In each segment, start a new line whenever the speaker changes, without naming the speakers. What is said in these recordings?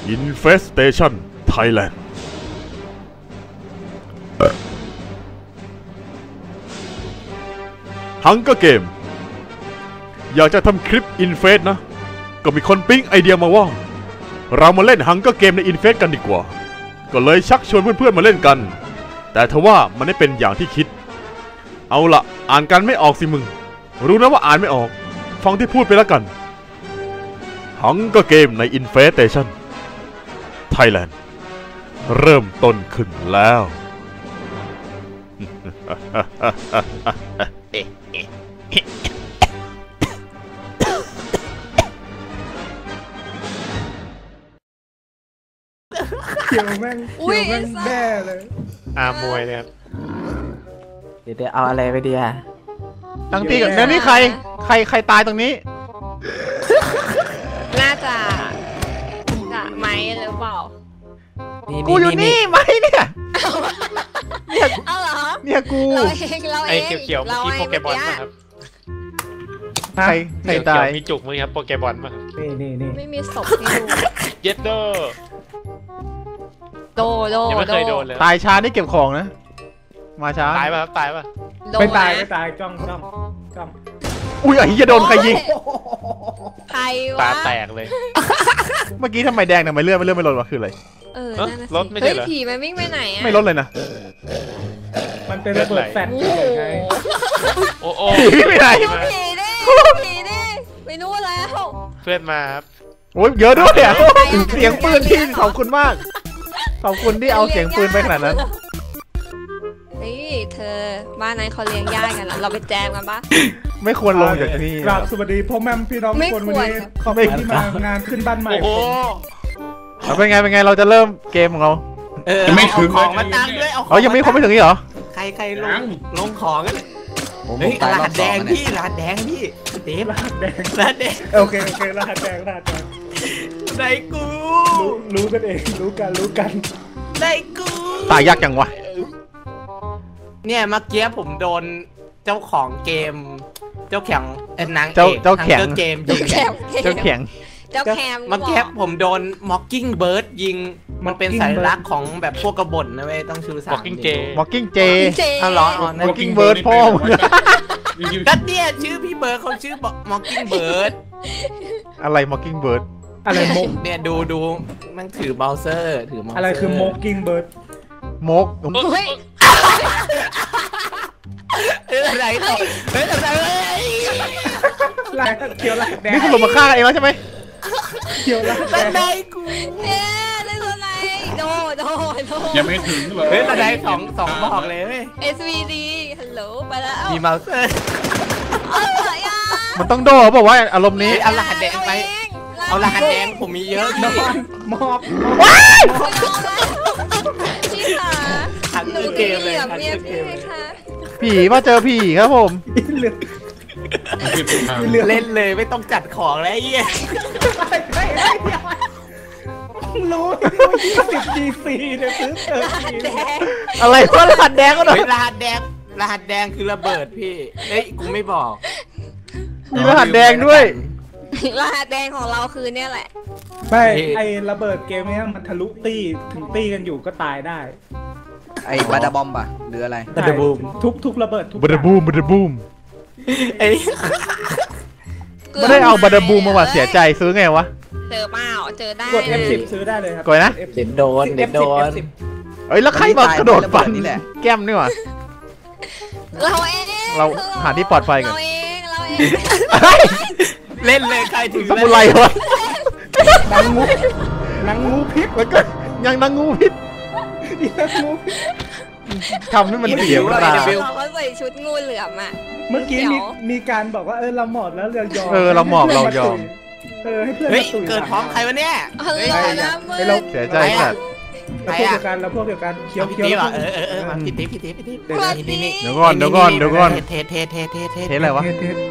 Infestation Thailand Hunger Game อยากจะทำคลิป Infest นะก็มีคนปิ๊งไอเดียมาว่าเรามาเล่น Hunger Game ใน Infest กันดีกว่าก็เลยชักชวนเพื่อนๆมาเล่นกันแต่ทว่ามันไม่เป็นอย่างที่คิดเอาละอ่านกันไม่ออกสิมึงรู้นะว่าอ่านไม่ออกฟังที่พูดไปแล้วกัน Hunger Game ใน Infestation Thailand เริ่มต้นขึ้นแล้ว
เขียวแม่งแน่เลย
มวยเนี่ย
เดี๋ยวเอาอะไรไปดีอ่ะ
ตั้งตีกับนี่ใครตายตรงนี้
น่าจะไม้หรือเปล่า
กูอยู่นี่ไหมเนี่ย
เอาเหรอ
เนี่ยกู
ไอ้เขียวๆเมื่อกี้โปเกมอนป่ะครับ
ใครตาย
มีจุกมั้ยครับโปเกมอนป่ะ
นี่
ไม่มีศพให้ดู
เย็ดโดยังไม่เคยโดนเลย
ตายช้านี่เก็บของนะมาช้า
ตายป่ะครับตายป่ะ
ไม่ตายจ้อง
อุ้ยไอ้เหี้ยโดนใครยิง
ใครวะ
ตาแตกเลย
เมื่อกี้ทำไมแดงทำไมเลื่อนไม่ลดวะคืออะไร
รถไม่ใช่เหรอ
ผีมันวิ่งไปไหนอะ
ไม่ลดเลยนะ
มันเป็นระเบิดแฟลชไง
โอ้
ผีไม่ไหน
ผีดิไม่รู้แล้ว
เพื่อนมาครับ
โอ้ยเยอะด้วยอ่ะเสียงปืนที่ขอบคุณมากขอบคุณที่เอาเสียงปืนไปขนาดนั้น
นี่เธอบ้านนั้นเขาเลี้ยงย่ากันเราไปแจมกันปะ
ไม่ควรลงจากที่
กราบสวัสดีพ่อแม่พี่น้องทุกคนวันนี้ขอบคุณที่มางานขึ้นบ้านใหม่
เป็นไงเราจะเริ่มเกมของเรา
ยังไม่ถึงของมาตั้งด้วย
ยังไม่ถึงนี่เหรอ
ใครลงของกันเฮ้ยรหัสแดงพี่รหัสแดงพี่เดฟ
รหัสแดงโอเครหัสแดง
ไหนกู
รู้กันเองรู้กัน
ไหนกู
ตายยากจังวะ
เนี่ยเมื่อกี้ผมโดนเจ้าของเกมเจ้าแข็งนางเอก
เจ้าแข็ง
เกมยิง
เจ้าแข็ง
เมื่อกี้ผมโดน Mockingbird ยิงมันเป็นสัญลักษณ์ของแบบพวกกบฏนะเว้ยต้องชู3
Mocking J
อ๋อเหรอ
Mockingbird พ่อมึง
ก็เนี่ยชื่อพี่เบิร์ดเขาชื่อ Mockingbird
อะไร Mockingbird
อะไรมก
เนี่ยดูมันถือเบราว์เซอร์ถือ
อะไรคือ Mockingbird
มก
อะไรต่อ
ลายเขียวลายแดง
นี่คุณลงมาฆ่าเองแล้วใช่ไหม
เขียวลายแดง
ได้กู
ได้ตัวไหนโด
ยังไม่ถึงเลย
ระดับสองบอกเลย
SVD ฮัลโหลไปแล้ว
มีเมาส์
มันต้องโดบอกว่าอารมณ์นี้
เอารหัสแดงไปเอารหัสแดงผมมีเยอะ
นอนมอบ
พี่ขา
หันเกมเลย
ผีมาเจอผีครับผม
เล่นเลยไม่ต้องจัดของแล้วไอ้เหี้ย
รู้20 GC เนี่ยซื้อ
อะไรวะรหัสแดงก็หน่อย
รหัสแดงคือระเบิดพี่เฮ้ยกูไม่บอก
มีรหัสแดงด้วย
รหัสแดงของเราคือเนี่ยแหละ
ไม่ไอระเบิดเกมนี้มันทะลุตี้ถึงตี้กันอยู่ก็ตายได้
ไอ้บาดาบอมป่ะหรืออะไร
บาดาบูมทุกระเบิด
บาดาบูมไม่ได้เอาบาดาบูมมาว่าเสียใจซื้อไงวะ
เจอเปล่าเจอได้
กด F10 ซื้อได้เลยครับ
กดนะ
เด็ดโดน
เอ้ยแล้วใครมากระโดดฟันนี่แหละแก้มนี่หว่าเราหาที่ปลอดภัยกัน
เล่นเลยใครถึง
สมุไรวะ
นางงูพิษ
แล้วก็ยังนางงูพิษทำให้มันเสียวตา
เขาใส่ชุดงูเหลือมอ่ะ
เมื่อกี้มีการบอกว่าเราหมอบแล้วเรายอม
เราหมอบเรายอม
ให้เพื่อน
มาตุยเกิดพร้อมใครวะเนี่ย
เราเสียใจสัตว์
เราพวกเดียวกันเคี้ยว
มาพี่ติ๊บ
เดี๋ยวก่อน
เท
อะไรวะ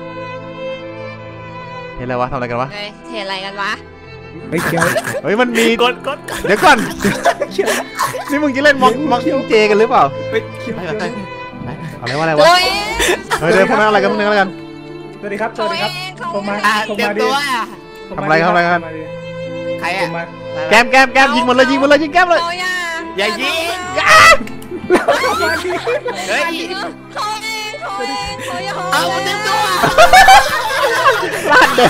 เทอะไรวะทำอะไรกันวะ
เทอะไรกันวะ
ไม่เคี้ยว
เฮ้ยมันมี
กด
เดี๋ยวก่อนนี่มึงจะเล่นม็อกเจกันหรือเปล่าอะไรวะเฮ้ยเดี๋ยวพวกนั้นอะไรกันพวกนั้นอะไรกัน
สวัสดีครับผมมา
เต็มตัว
ทำอะไรกัน
ใคร
ผ
อะ
มมา
แก้มยิงมันเลยยิงแก้มเลย
เขาอย่า
อย่ายิงเฮ้ย
เขาเองเขาอย่า
เอาเต็มตัว
ลาดเด็ก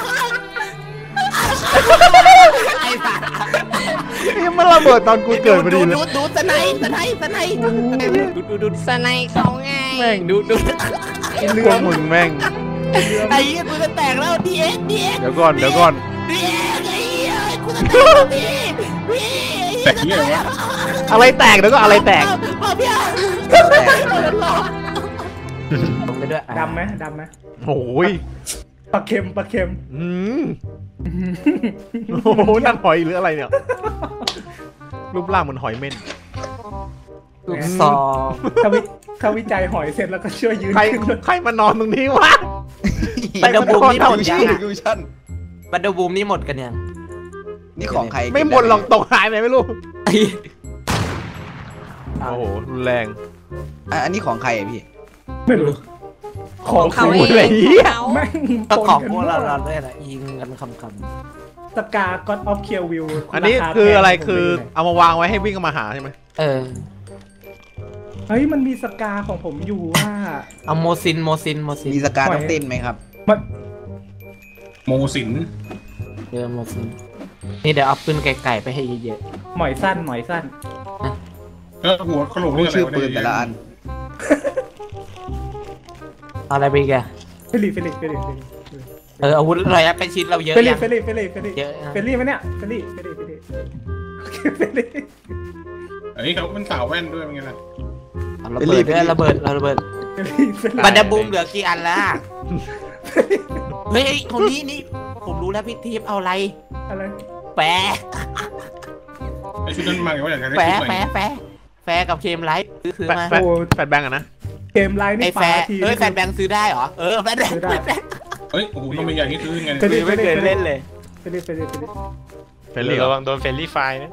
ไอ้สัตว์
นี่มันระเบิดตอนกูเกิดพอดีเลย
ดูสไนดู
สไนเขาไง
แม่ง
ดู
พวกมึงแม่ง
ไอ้เหี้ยกูจะแตกแล้วดีเอ็ก
เดี๋ยวก่อน
ดีเอ็กไอ้เหี้ยกูจะแตกแล้วพี่
แต่ที่อะไรวะ
อะไรแตกเดี๋ยวก็อะไรแตก
เอาพี่ลงไปด้วย
ดำไหม
โอ้ย
ปลาเค็ม
โอ้โหนั่นหอยหรืออะไรเนี่ยรูปร่างเหมือนหอยเม่น
ลูกซอง
ถ้าวิจัยหอยเสร็จแล้วก็ช่วยยืน
ใครมานอนตรงนี้วะ
บันเดอร์บูมนี่หมดยัง
ดูชั่น
บันเดอร์บูมนี่หมดกันยัง
นี่ของใคร
ไม่หมดหรอกตกหายไปไม่รู้
ไอ้
โอ้โหรุนแรง
อันนี้ของใครอะพี่
ไม่รู้ของ
เขา
เขา
เอง
เลย
เขา
แม่ง
ก็
ปน
ของ
กัน
พวก
หม
เรา
ด
ด้วยแหละยิงกันคำ
สกาก็อดออฟเคียววิว
อันนี้คืออะไรคือเอามาวางไว้ให้วิ่งมาหาใช่ไหม
เออ
เฮ้ยมันมีสกาของผมอยู่ว่า
เอาโมซิน
มีสการต้องเต้นไหมครับ
มัน
โมสิน
เจอโมซินนี่เดี๋ยวเอาปืนไก่ไปให้เยอะ
หมอยสั้น
หัวขลุ่ม
รู้ชื่อปืนแต่ละอัน
ๆเอาอะไรไปอีกอะ
เฟลิ
อาวุธระยะเป็นชิ้นเราเยอะ
เฟลิ
ยัง
เฟลิ
เยอะนะ
เฟลิไหมเนี่ยเฟลิ
เฮ้ยเขาเป็นสาวแว่นด้วยเป็นไงล่ะ
เอาระเบิดด้วยระเบิดบันเดอร์บูมเหลือกี่อันละเฮ้ยคนนี้นี่ผมรู้แล้วพี่ทีฟเอาอะไร
อะไร
แปะ
ไอชุดนั้นมาไงว่าอยากได้
แฟ
ชุดใหม่
แฟกับเคมไลท์ซื้อมา
แฟดแบงก์อะนะ
เกมไลน์
ไอ้
นี่
แฟ
ปา
ร์
ที
แฟนแบงค์ซื้อได้เหรอแฟนแบงค์
เฮ้ยโอ้โหทำไมอย่างนี้คือไง
เฟลิ
ไม่เคยเล่นเลย
เฟลิ
เฟรนลี่
ระวังโดนเฟรนลี่ไฟนะ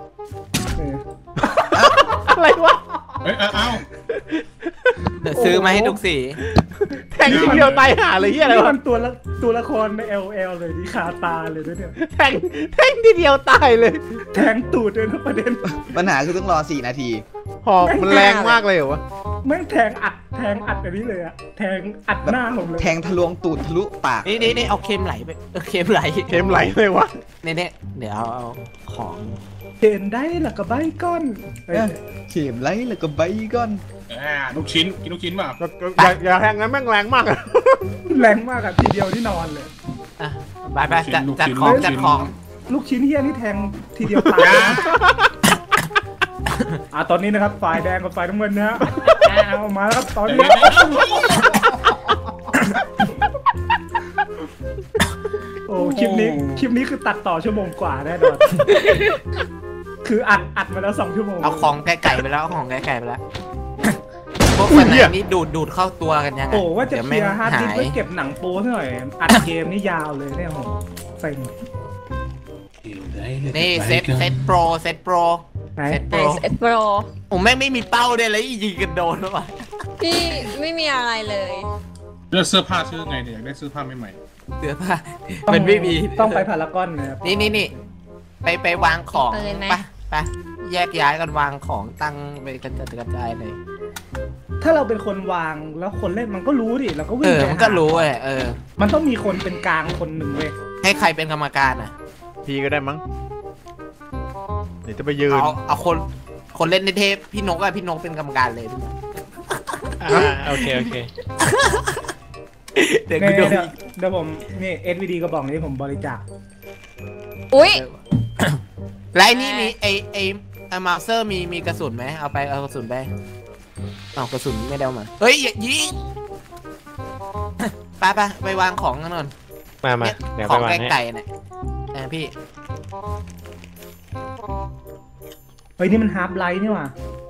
อะไรวะ
เฮ้ยอ้าว
เดี๋ยวซื้อมาให้ทุกสี
แทงทีเดียวตายห่าเลยเฮียอะไร
นี่
วะ
มันตัวละครใน LL เลยที่คาตาเลยด้วยเนี่ย
แทงทีเดียวตายเลย
แทงตูดเลยนะประเด็น
ปัญหาคือต้องรอ4 นาที
หอกมันแรงมากเลยเหรอวะ
แม่งแทงอัดอันนี้เลยอะแทงอัดหน้าผมเลย
แทงทะลวงตูดทะลุปาก
นี่เอาเคมไหลไปเคมไหล
เทมไหลเลยวะ
นี่เดี๋ยวเอาของ
เห็นได้หลักกระใบก้อนเฮ้ย
เข็มไล่แล้วก็ใบก้อน
ลูกชิ้นกินลูกชิ้นเปล่า
อย่าแทงงั้นแม่งแรงมากอะ
แรงมากอะทีเดียวที่นอนเลย
อ่ะไปจัดของ
ลูกชิ้นเฮียนี่แทงทีเดียวตายตอนนี้นะครับฝ่ายแดงกับฝ่ายน้ำเงินนะฮะเอามาแล้วครับตอนนี้โอ้คลิปนี้คือตัดต่อชั่วโมงกว่าแน่นอนคืออัดมาแล้ว2 ชั่วโมง
เอาของไก่ไปแล้วเอาของไก่ไปแล้วพวกคนไหนนี่ดูดเข้าตัวกันยังไง
โอ้ว่าจะเคลียร์ฮาร์ดดิสก์
หา
ไว้
ย
เก็บหนังโป้หน่อยอัดเกมนี่ยาวเลยเนี่ยโหเซ็ง
นี่เซตโปร
ไหน
เซตโป
ไอ
ร
เอสโปร
ผมแม่งไม่มีเป้าเลยแล้วยิงกันโดนหรือเปล่า
พี่ไม่มีอะไรเลย
เลือกเสื้อผ้าชื่อไงเนี่ยอยากได้เสื้อผ้าใหม่
เสื้อผ้ามันไม่มี
ต้องไปพารากอนนะครับ
นี่ไปวางของไปแยกย้ายกันวางของตั้งไปกระจายเลย
ถ้าเราเป็นคนวางแล้วคนเล่นมันก็รู้ดิเราก็วิ่งไป
มันก็รู้
มันต้องมีคนเป็นกลางคนหนึ่งเว้ย
ให้ใครเป็นกรรมการอ่ะ
พี่ก็ได้มั้งเดี๋ยวจะไปยืน
เอาคนเล่นในเทปพี่นกเป็นกรรมการเลย
โอเค
เดี๋ยว
เดี๋ยวผมนี่ SVD กระบอกนี้ผมบริจาค
อุ้ย
แล้วนี่มีไอมาสเตอร์มีกระสุนไหมเอากระสุนไปเอากระสุนไม่ได้เอามาเฮ้ยอย่ายิงไปวางของกันก่อน
มาเดี๋ยว
ข
ไป
อง
วางให้
ไก่เนี่ยพี่
เฮ้ยนี่มันฮาร์ปไลท์นี่หว่า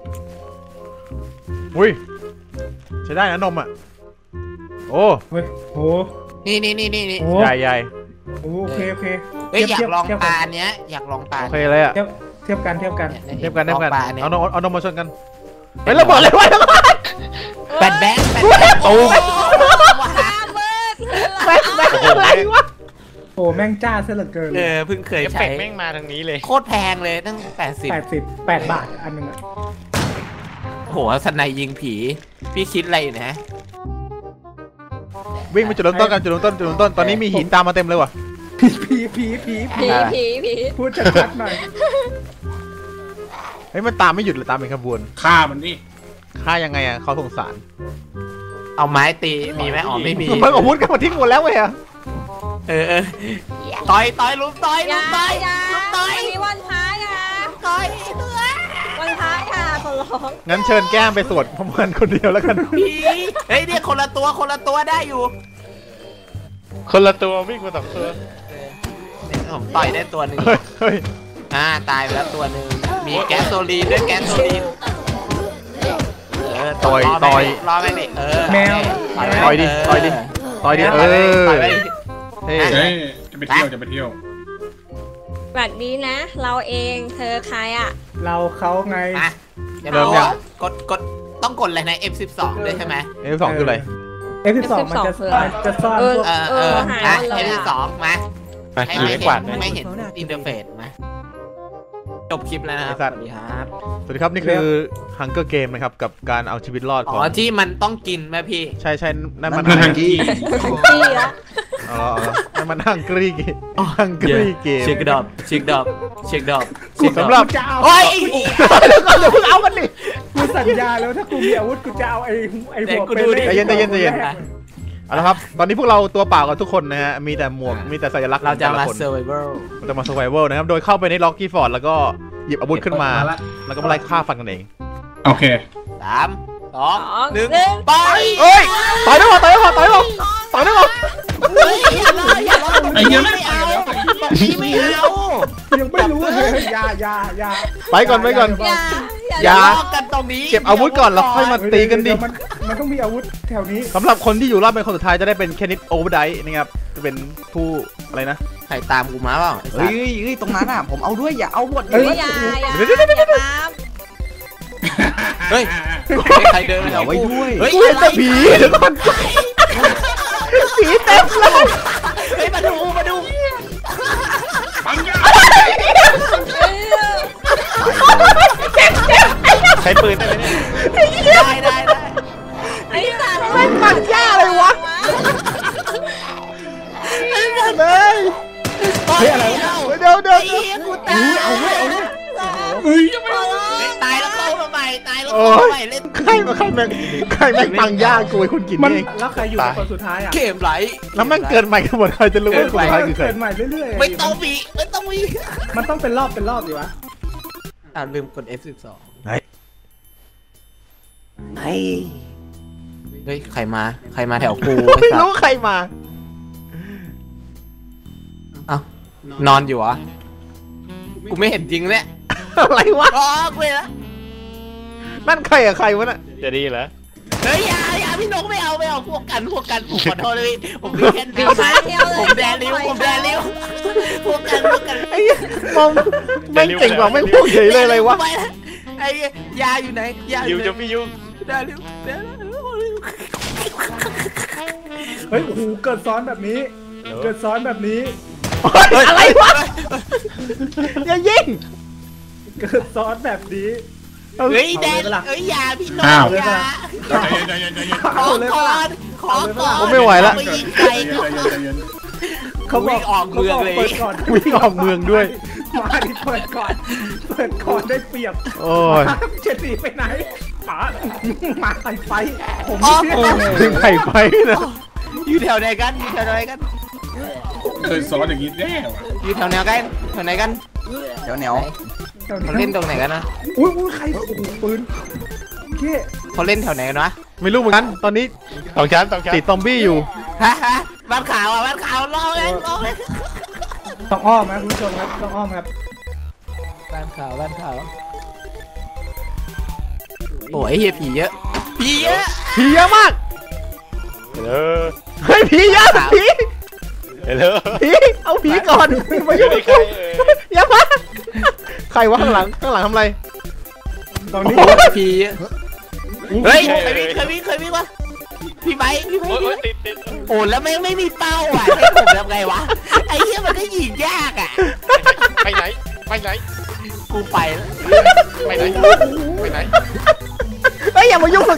อุ้ยใช้ได้นะนมอ่ะโอ้
เฮ้ยโห
นี่
โอ้
ใหญ่
โอเค
เฮ้ยอยากลองปลาเนี้ยอยากลองปลา
โอเคเลยอ่ะ
เทียบกัน
เทียบกัน
ปลาเนี่ย
เอานมมาชนกันเฮ้ยระเบิดเลยวะ
แบนตู
ว้าเบิร์ด
แบงอะไรวะ
โอ้แม่งจ้าซะเหลือเกิน
เพิ่งเคย
เอฟเฟ
ใช้
กต์แม่งมาทางนี้เลย
โคตรแพงเลยตั้ง
8 บาทอันนึงอะ
โหสไนยิงผีพี่คิดอะไรอยู่นะ
วิ่งไปจุดเริ่มต้นกันจุดเริ่มต้นตอนนี้มีหินตามมาเต็มเลยว่ะ
ผี
ผี
พูดชัดๆหน่อย
เฮ้ยมันตามไม่หยุดเลยตามเป็นขบวน
ฆ่ามันนี่
ฆ่ายังไงอ่ะเขาสงสาร
เอาไม้ตีมีไหมอ๋อไม่มี
มันอาวุธกันมาทิ้งหมดแล้วเว้ยอะ
ต่อยลุมต่อย
อย่า อย่า
ลุมต่อย
มีวันพายอ่ะ
ต่อย
วันพายอ่ะขอร้อง
งั้นเชิญแก้มไปสวดพร้อมกันคนเดียวแล้วกัน
ผีเฮ้ยเนี่ยคนละตัวได้อยู่
คนละตัววิ่งมา2 ตัว
ผมต่อยได้ตัวหนึ่ง
เฮ้ย
ตายไปแล้วตัวหนึ่งมีแก๊สโซลีนด้วยแก๊สโซลีนรอแม่ดิ
ต่อยดิเฮ้ย
เฮ้ยจะไปเที่ยว
สวัสดีนะ เราเองเธอใครอ่ะ
เราเขาไง
เริ่มยังกดต้องกดอะไรนะ F12 ด้วยใช่ไหม
F2 คืออะไร
F12 มันจะซ่อนพวก
หายหมดเลย
F12 มา
มา
ให้
ขี่ไม่กวาดเลย
ไม่เห็นอินเทอร์เฟซมาจบคลิปแล้วนะครับสวัสดีครับ
สวัสดีครับนี่คือ Hunger Game นะครับกับการเอาชีวิตรอดของ
ที่มันต้องกินไหมพี่
ใช่นั่นมัน
ฮังกี้
พี่ละ
นั่นมันฮังกี้เกม
เช็คดอบ
สำหรับ
จะเอา
โอ้ย
เดี๋ยวเพิ่งเอากันดิ
กูสัญญาแล้วถ้ากูมีอาวุธกูจะเอาไอ้หัวเป็น
ใจเย็นเอาละครับตอนนี้พวกเราตัวเปล่ากันทุกคนนะฮะมีแต่หมวกมีแต่สัญลักษณ์
เราจะ
แต่ละ
มา
คน
survival
เราจะมา survival นะครับโดยเข้าไปในล็อกกี้ฟอร์ดแล้วก็หยิบอาวุธขึ้นมาแล้วก็มาไล่ฆ่าฟันกันเอง
โอเค
3 2 1ไป
เอ้ยต่อยได้ป่ะ
อย่าล้อ
ไอ้เหี้ยไม่
ไม่
เอา
เอาไม่เอา
ยังไม่รู้เลยอย่า
ไปก่อน อย่า
ล้อกันตรงนี้
เก็บอาวุธก่อนแล้วค่อยมาตีกันดิ
มันต้องมีอาวุธแถวนี้
สำหรับคนที่อยู่รอบเป็นคนสุดท้ายจะได้เป็นแคนิดโอเวอร์ไดนะครับจะเป็นผู้อะไรนะ
ใครตามกูมาเปล่า
เฮ้ยตรงนั้นอ่ะผมเอาด้วยอย่าเอาหมด
อย่าตาม
เฮ้ยใครเดินมาแถ
เอา
ว
ไว้
กู
ด้วย
เฮ้ย
กูเห็นแต่ผีเดี๋ยวก่อนผีเต็มเลย
เฮ้ยมาดู
ใช้ปืนได้ไหมเนี่ย
ได้
ไอ้สัตว์
ไม่ปังย่าเลยวะเลย
เฮ้ยอะไร
เดี๋ยว
กูตายเอาไว้
เฮ้ยยังไม่
ตายแล้วเข้ามาใหม่เล่น
ใครแม่งปังย่ากูไอ้คุณกิน
มัน
เอง
แล้วใครอยู่คนสุดท้ายอ่ะ
เกมไหล
แล้วแม่งเกินใหม่กันหมดใครจะรู้ว่าคนสุดท้ายคือใคร
เกิดใหม่เรื่อยๆ
ไม่ต้องมี
มันต้องเป็นรอบดีวะ
ลืมกด F12
ไหน
เฮ้ยใครมาแถวกู
ไม่รู้ใครมา
เอ้านอนอยู่เหรอกูไม่เห็นจริงเนี่ย
อะไรวะ
อ๋อกูเห็นแล้ว
นั่นใครอะใครวะน่ะ
จะดีเหรอ
เฮ้ยอย่าพี่นกไม่เอาพวกกันผมขอโทษเลยผมมีแค่
ปีมาเที่ยวเลย
ผมแดริ้วพวกกัน
ไอ้มองแม่งเก่งกว่าแม่งพูดเฉยเลยอะไรวะ
ไอ้ยาอยู่ไหนยา
ยูจะพี่ยู
แดริ้ว
เฮ้ยโอ้โหเกิดซ้อนแบบนี้
อะไรวะอย่ายิง
เกิดซ้อนแบบนี้
เฮ้ยแดนเฮ้ยยาพี่นกยาขอก่อน
ผมไม่ไหวละ
ไปยิงไก่
เขาบอก
ออกเมืองเลย
เปิดก่อน
วิ่งออกเมืองด้วย
มาดิเปิดก่อนได้เปรียบ
โอ้ย
เจ็ดสีไปไหนป๋ามาไฟผม
ถึงไข่ไฟนะ
อยู่แถวไหนกัน
เคยสอนอย่างนี้แน่ว่ะ
อยู่แถวไหนกัน
เดี๋ยวเหนียว
เขาเล่นตรงไหนกันนะ
อุ้ยใครโอ้โหปืนเก้
เขาเล่นแถวไหนกันวะ
ไม่รู้เหมือนกันตอนนี้
2 ชั้น
ติดซอมบี้อยู่
ฮะบ้านขาวรอเลย
ต้องอ้อมนะคุณผู้ชมครับต้องอ้อมครับ
บ้านขาวโอ้ยเฮียผีเยอะ
ผีเยอะมาก
เออ
เฮ้ยผีเยอะผี
เออ
เอาผีก่อนมายุ่งกับกูอย่ามาใครวะข้างหลังทำอะไร
ตอนนี้
ผีเฮ้ยเคยวิ่งวะพี่ไบค์พี่ไบ
โอ้ย
ค์
ติด
โอ้แล้วไม่มีเป้าอ่ะให้ผมทำไงวะไอ้เหี้ยมันก็ยิงยากอ่ะ
ไปไหนไปไหน
กูไปแล้ว
ไปไหนไปไหน
เฮ้ยอย่ามายุ่งกับ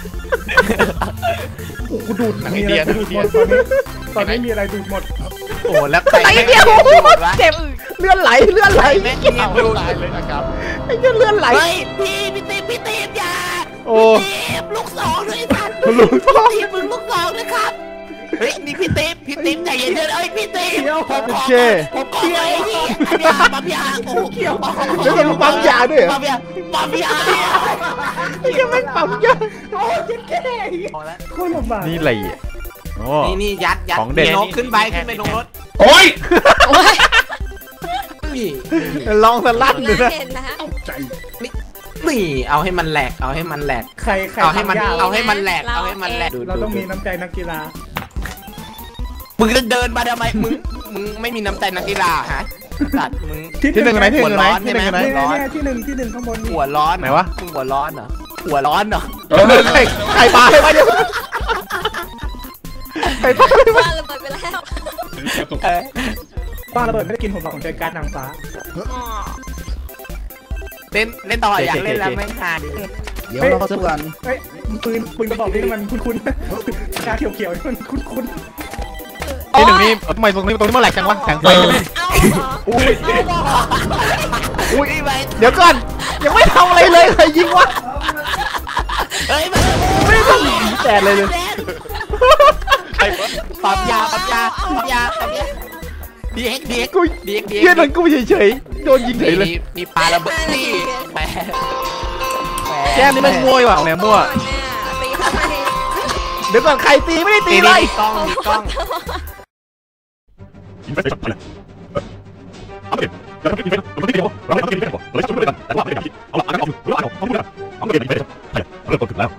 โอ้กูดูด
หนัง
มี
อิน
อะ
เดี
ไร
ย
ดูดหมดตอนนี้มีอะไรดูดหมด
โอ้แล้วใคร
ไอ้
แม่ง
เดียว
ดูดวะ
เจ็บเลื่อนไหล
แม่ง
เอา
ดูด
ตายเลยนะครับ
ไอ้เหี้ยเลื่อนไหล
เฮ้ยพี่ตีมอย่า
โอ้
พี่ตีมลูกสองด้วยท่าน
ลูกสอง
พี่ตีมมึงลูกสองนะครับเฮ้ยนี่พี่ตีมใจเย็นๆเอ้ยพี่ตีมผมขอ
โอเค
ผมขอเลยพี่ปั๊มยาโอ้เกี่ยว
แล้วก็ปั๊มยาด้วยเหรอ
ปั๊มยา
ไอ้เหี้ยแม่งปั๊มยา
โอ้ยเจ็บแค่โคตรลำบาก
นี่อะไรอ่ะโอ้
นี่ยัด
ของเด็ด
นกขึ้นไปตรงรถ
โอ้ย
โอ้ย
นี่
ลองสลัดดู
น่า
นะ
เห็นนะ
ใจ
นี่เอาให้มันแหลกเอาให้มันแหลก
ใคร
เอาให้มัน
ทำยาก
เอาให้มันแหลกเอาให้มันแหลก
เราต้องมีน้ำใจนักกีฬา
มึงจะเดินมาทำไมมึงไม่มีน้ำใจนักกีฬาฮะสัตว์มึง
ที่หนึ่งไหนที่หนึ่งไหนที่หนึ่งไหน
เนี่ยที่หนึ่งข้างบนนี่
หัวร้อน
ไหนวะ
มึงหัวร้อนเหรอหัวร้อนเหรอ
ใครปลาให้มาเดี๋ยวใครปลาให้มา
ว่าระเบิดไปแล้ว
ป้าระเบิดไม่ได้กินผมหรอกผมใช้การ์ดนางฟ้า
อ๋อ
เล่นต่ออยากเล่นแล้วไม่ขาด
เดี๋ยวเราสู้กัน
เฮ้ยปืนกระบอกนี้มันคุ้นๆชาเขียวๆนี่มันคุ้น
ที่หนึ่งนี่ทำไมตรงนี้มันแหลกจังวะแข็งไฟ
เอาเหรอ
อุ้ย
อุ้ยไป
เดี๋ยวก่อนยังไม่ทำอะไรเลยใครยิงวะ
เฮ้ย
ไม่ได้ทำแตกเลยเลย
ใครวะ
ปั๊มยาดีเอ็ก
กูเยี่ยนั่นกูเฉยๆโดนยิงเฉยเลย
มีปลาระเบิดนี่แป
แก้มนี่มันมวยว่ะเนี่ยมั่ว
ตีทำไม
เดี๋ยวก่อนใครตีไม่ได้ตี
ตี
เลย
กล้อง
อินเฟสชั่นไปเลยเอาไปอย่าทำคลิปอินเฟสเราไม่ได้เดียวเราไม่ทำคลิปอินเฟสก่อนเราจะช่วยด้วยกันแต่ว่าไม่ได้ทำคลิปเอาละอ่านกันออกอยู่หรืออ่านออกต้องพูดกันเอาเกมอินเฟสใช่เริ่มต้นขึ้นแล้ว